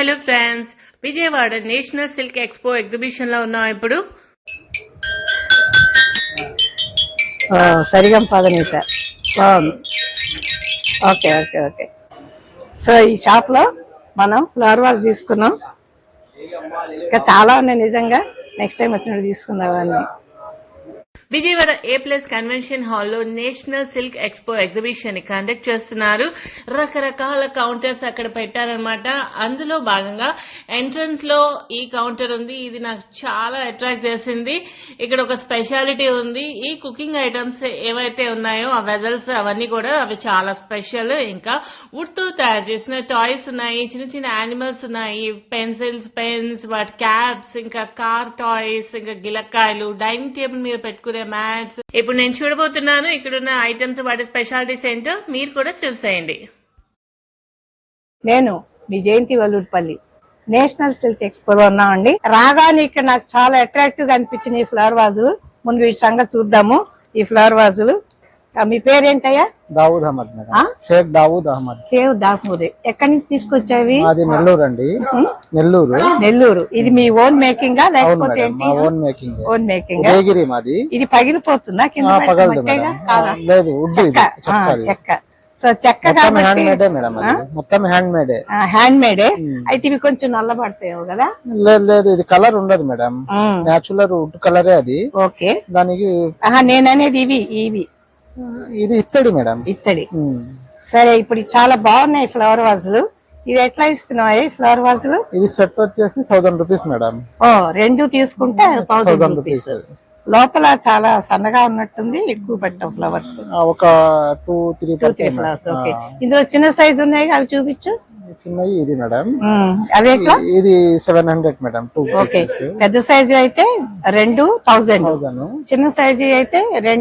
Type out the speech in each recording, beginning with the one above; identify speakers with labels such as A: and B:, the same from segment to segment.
A: Hello friends, Vijayawada national silk expo exhibition లో ఉన్నాం ఇప్పుడు.
B: సరిగం పదనీస బాగుంది. Okay okay okay. సో ఈ షాప్ లో మనం ఫ్లవర్ వాజ్ తీసుకున్నాం. ఇంకా చాలా ఉన్నాయి నిజంగా. నెక్స్ట్ టైం వచ్చినప్పుడు తీసుకుందాం అన్ని.
A: విజయవాడ A+ కన్వెన్షన్ హాల్లో నేషనల్ సిల్క్ ఎక్స్పో ఎగ్జిబిషన్ ని కండక్ట్ చేస్తున్నారు. రకరకాల కౌంటర్స్ అక్కడ పెట్టారనమాట. అందులో భాగంగా ఎంట్రన్స్ లో ఈ కౌంటర్ ఉంది. ఇది నాకు చాలా అట్రాక్ట్ చేసింది. ఇక్కడ ఒక స్పెషాలిటీ ఉంది. ఈ కుకింగ్ ఐటమ్స్ ఏవైతే ఉన్నాయో ఆ వెజల్స్ అవన్నీ కూడా అవి చాలా స్పెషల్. ఇంకా వుడ్ తో తయారు చేసిన టాయ్స్ ఉన్నాయి, చిన్న చిన్న యానిమల్స్ ఉన్నాయి, పెన్సిల్స్, పెన్స్, వాటి క్యాప్స్, ఇంకా కార్ టాయ్స్, ఇంకా గిలక్కాయలు, డైనింగ్ టేబుల్ మీద పెట్టుకునే మ్యాట్స్. ఇప్పుడు నేను చూడబోతున్నాను ఇక్కడున్న ఐటమ్స్, వాటి స్పెషాలిటీస్ ఏంటో మీరు కూడా చూసేయండి.
B: నేను మీ Jayanthi Vallurupalli national silk expo ఉన్నామండి. రాగానే ఇక్కడ నాకు చాలా అట్రాక్టివ్ గా అనిపించిన ఈ ఫ్లవర్ వాజులు. ముందు వీటి సంగతి చూద్దాము. ఈ ఫ్లవర్ వాజులు మీ పేరేంటయ్యా?
C: దావూద్ అహ్మద్ మేడం. షేక్ దావూద్ అహ్మద్. ఎక్కడి నుంచి తీసుకొచ్చావి? అది నెల్లూరు అండి. నెల్లూరు. ఇది మీ ఓన్ మేకింగ్ లేకపోతే ఓన్ మేకింగ్? Own making. మాది. ఇది పగిలిపోతుందా కింద? లేదు, చెక్క. సో చెక్క హ్యాండ్ మేడే మేడం. మొత్తం హ్యాండ్ మేడే.
B: హ్యాండ్ మేడే. అయితే ఇవి కొంచెం నల్లబడతాయో కదా?
C: లేదు, ఇది కలర్ ఉండదు మేడం. నేచురల్ వుడ్ కలరే అది.
B: ఓకే.
C: దానికి
B: నేననేది ఇవి
C: ఇది ఇత్తడి మేడం.
B: ఇత్తడి. సరే, ఇప్పుడు చాలా బాగున్నాయి ఫ్లవర్ వాజులు. ఇది ఎట్లా ఇస్తున్నాయి ఫ్లవర్ వాజులు?
C: ఇది సెట్ వచ్చేసి 1000 రూపీస్ మేడం.
B: రెండు తీసుకుంటే 1000 రూపీస్. లోపల చాలా సన్నగా ఉన్నట్టుంది. ఎక్కువ పెట్టాం ఫ్లవర్స్.
C: ఒక 2-3
B: ఫ్లవర్స్. ఓకే. ఇందులో చిన్న సైజు ఉన్నాయి, అవి చూపించు.
C: చిన్నవి ఇది మేడం.
B: అవి
C: ఇది 700 మేడం.
B: ఓకే. పెద్ద సైజు అయితే 2,1000. చిన్న సైజు అయితే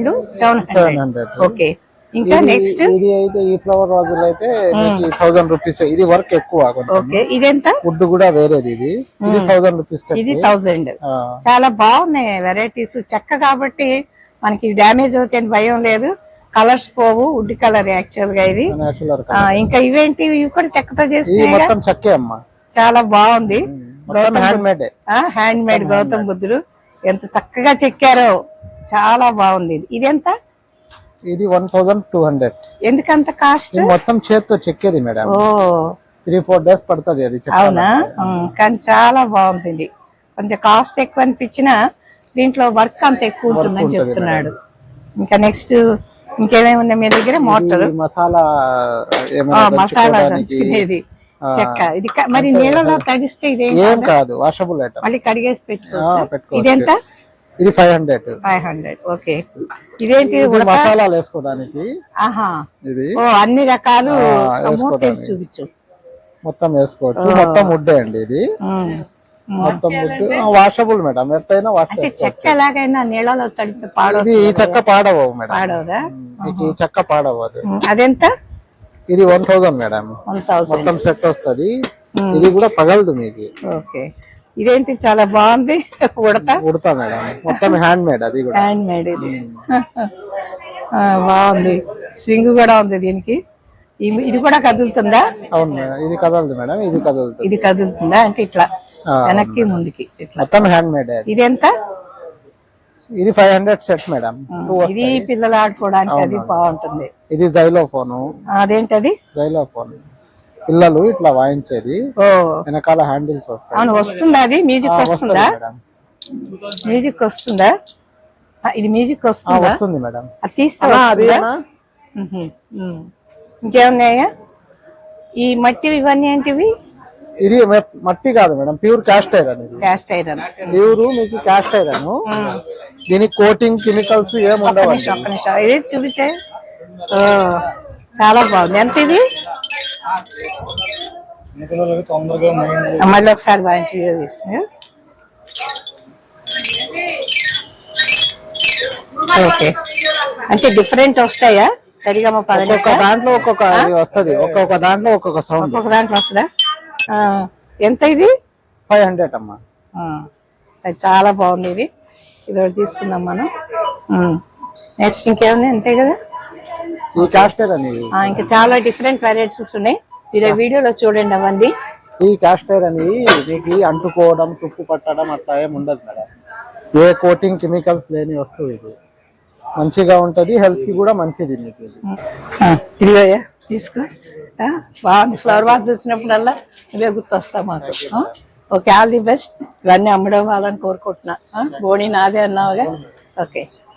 B: 700. ఓకే. ఇంకా నెక్స్ట్
C: ఇది అయితే ఈ ఫ్లవర్ వాజులు అయితే 1000 రూపీస్. ఇది వర్క్ ఎక్కువ.
B: ఓకే. ఇదెంత?
C: వుడ్ కూడా వేరేది. ఇది 1000 రూపీస్.
B: ఇది 1000. చాలా బాగున్నాయి వెరైటీస్. చెక్క కాబట్టి మనకి డ్యామేజ్ అవుతాయని భయం లేదు. కలర్స్ పోవు. వుడ్ కలర్ యాక్చువల్ గా ఇది. ఇంకా ఇవేంటి? ఇవి కూడా చెక్కతో చేసి
C: చెక్కే అమ్మా.
B: చాలా బాగుంది.
C: హ్యాండ్
B: మేడ్ గౌతమ్ బుద్ధుడు ఎంత చక్కగా చెక్కారో. చాలా బాగుంది. ఇదెంత?
C: ఇది 1200.
B: ఎందుకంత కాస్ట్?
C: మొత్తం చేత్తో చెక్కేది మేడం. 3-4 డేస్ పడుతుంది అది.
B: అవునా? కానీ చాలా బాగుంది. కొంచెం కాస్ట్ ఎక్కువ అనిపించినా దీంట్లో వర్క్ అంత ఎక్కువ ఉంటుందని చెప్తున్నాడు. ఇంకా నెక్స్ట్ ఇంకేమేమి ఉన్నాయి మీ దగ్గర? మోటార్,
C: మసాలా
B: దంచుకునేది, చెక్క. ఇది మరి నీళ్ళలో తడిస్తే ఇదేం కాదు,
C: వాషబుల్ ఐటమ్.
B: మళ్ళీ కడిగేసి పెట్టుకోవచ్చు. ఇదెంత?
C: ఇది 500.
B: ఓకే. ఇదేంటి?
C: మసాలాలు వేసుకోవడానికి. ఇది
B: అన్ని రకాలు చూపించు.
C: మొత్తం వేసుకోవచ్చు. మొత్తం వుడ్డే అండి ఇది. మొత్తం వుడ్. Washable madam. ఎట్టయినా వాష్.
B: చెక్క ఎలాగైనా నీళ్ళలో తడితే పాడదు.
C: ఈ చెక్క పాడవు మేడం.
B: పాడవదా?
C: ఈ చెక్క పాడవు.
B: అదెంత?
C: ఇది 1000 మేడం. మొత్తం సెట్ వస్తుంది. ఇది కూడా పగలదు మీకు.
B: ఓకే. ఇదేంటి? చాలా బాగుంది.
C: ఉడతా మేడం. మొత్తం హ్యాండ్ మేడ్. అది కూడా
B: హ్యాండ్ మేడ్. ఇది బాగుంది. స్వింగ్ కూడా ఉంది దీనికి. ఇది కూడా కదులుతుందా?
C: అవును మేడం. ఇది కదలదు మేడం. ఇది
B: కదులుతుందా? అంటే ఇట్లా వెనక్కి ముందుకి ఇట్లా.
C: మొత్తం హ్యాండ్ మేడ్.
B: ఇది ఎంత?
C: ఇది 500 సెట్ మేడం.
B: ఇది పిల్లలు ఆడుకోవడానికి అది బాగుంటుంది.
C: ఇది జైలోఫోన్.
B: అదేంటది?
C: జైలోఫోన్ పిల్లలు ఇట్లా వాయించేది. వెనకాల హ్యాండిల్స్ వస్తాయి.
B: అవును, వస్తుందా? అది మ్యూజిక్ వస్తుందా? మ్యూజిక్ వస్తుందా? ఇది మ్యూజిక్
C: వస్తుంది మేడం.
B: అది తీస్తా. ఇంకేమున్నాయా? ఈ మట్టి ఇవన్నీ ఏంటివి?
C: ఇది మట్టి కాదు madam, pure cast iron.
B: Cast iron
C: pure మీకు క్యాస్ట్ ఐరన్. దీనికి కోటింగ్ కెమికల్స్ ఏమి ఉండవు.
B: ఇది చూపించే. చాలా బాగుంది. ఎంత ఇది? మళ్ళీ ఒకసారి వాయించి తీస్తుంది. ఓకే. అంటే డిఫరెంట్ వస్తాయా? సరిగా
C: దాంట్లో ఒక్కొక్క వస్తుంది. ఒక్కొక్క దాంట్లో ఒక్కొక్క సౌండ్.
B: ఒక్కొక్క దాంట్లో వస్తుందా? ఎంత ఇది?
C: 500 అమ్మా.
B: చాలా బాగుంది. ఇది ఒకటి తీసుకుందాం మనం. నెక్స్ట్ ఇంకేమున్నాయి? అంతే కదా.
C: ఈ క్యాస్టర్ అని
B: ఇంకా చాలా డిఫరెంట్ వెరైటీస్ ఉన్నాయి. మీరు వీడియోలో చూడండి అవన్నీ.
C: ఈ క్యాస్ట్ ఐరన్ అనేది మీకు అంటుకోవడం తుప్పు పట్టడం అట్లా ఏమి ఉండదు మేడం. ఏ కోటింగ్ కెమికల్స్ లేని వస్తువు ఇది, మంచిగా ఉంటది, హెల్త్ కి కూడా మంచిది మీకు ఇది.
B: ఇదిగోయ్యా తీసుకో. బాగుంది. ఫ్లవర్ వాస్ చూసినప్పుడల్లా ఇవే గుర్తొస్తావు మాకు. Okay, all the best. ఇవన్నీ అమ్మడం వాళ్ళని కోరుకుంటున్నా. బోణి నాదే అన్నావుగా. ఓకే.